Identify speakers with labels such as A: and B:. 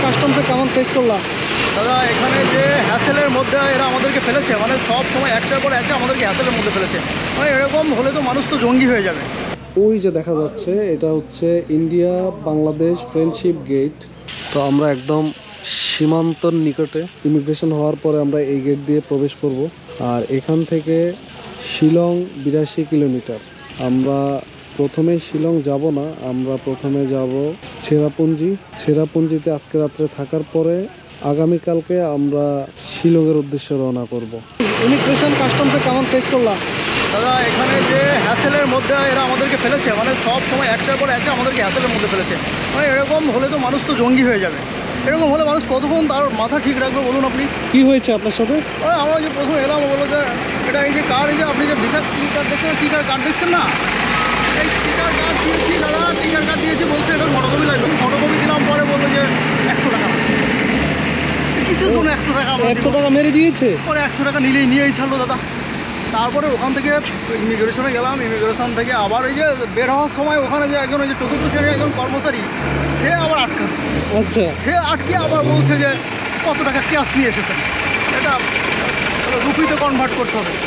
A: কাস্টমসে কেমন ফেস করলাম?
B: দাদা এখানে যে হ্যাসেলের মধ্যে এরা আমাদেরকে ফেলেছে, মানে সব সময় একটার পর একটা আমাদেরকে হ্যাসেলের মধ্যে ফেলেছে। মানে এরকম হলে তো মানুষ তো জঙ্গি হয়ে যাবে।
A: ওই যে দেখা যাচ্ছে এটা হচ্ছে ইন্ডিয়া বাংলাদেশ ফ্রেন্ডশিপ গেট। তো আমরা একদম সীমান্তর নিকটে, ইমিগ্রেশন হওয়ার পরে আমরা এই গেট দিয়ে প্রবেশ করব। আর এখান থেকে শিলং 82 কিলোমিটার। আমরা প্রথমে শিলং যাব না, আমরা প্রথমে যাব ছেড়াপুঞ্জিতে আজকে রাত্রে থাকার পরে আগামীকালকে আমরা শিলংয়ের উদ্দেশ্যে রওনা করব। ইমিগ্রেশন কাস্টমসে কেমন ফেস করলাম?
B: দাদা এখানে যে হ্যাসেলের মধ্যে এরা আমাদেরকে ফেলেছে, মানে সব সময় একটার পর একটা আমাদেরকে হ্যাসেলের মধ্যে ফেলেছে। মানে এরকম হলে তো মানুষ তো জঙ্গি হয়ে যাবে। এরকম হলে মানুষ কতক্ষণ তার মাথা ঠিক রাখবে বলুন আপনি?
A: কি হয়েছে আপনার সাথে?
B: আমরা যে প্রথম এলাম বলো যে এটা এই যে কার্ড, এই যে আপনি যে ভিসা কার্ড দেখছেন, টিকার কার্ড দেখছেন না, এই টিকার কার্ড দিয়েছি দাদা, টিকার কার্ড দিয়েছি, বলছে এটার ফটোকপি লাগবে। ফটোকপি দিলাম, পরে বললো যে 100 টাকা। কিসের জন্য 100 টাকা?
A: 100 টাকা মেরে দিয়েছে।
B: পরে 100 টাকা নিয়েই ছাড়লো দাদা। তারপরে ওখান থেকে ইমিগ্রেশনে গেলাম, ইমিগ্রেশন থেকে আবার ওই যে বের হওয়ার সময় ওখানে যে একজন ওই যে চতুর্থ শ্রেণীর একজন কর্মচারী, সে আবার আটকানো।
A: আচ্ছা,
B: সে আটকে আবার বলছে যে কত টাকা ক্যাশ নিয়ে এসেছেন, এটা রুপিতে কনভার্ট করতে হবে।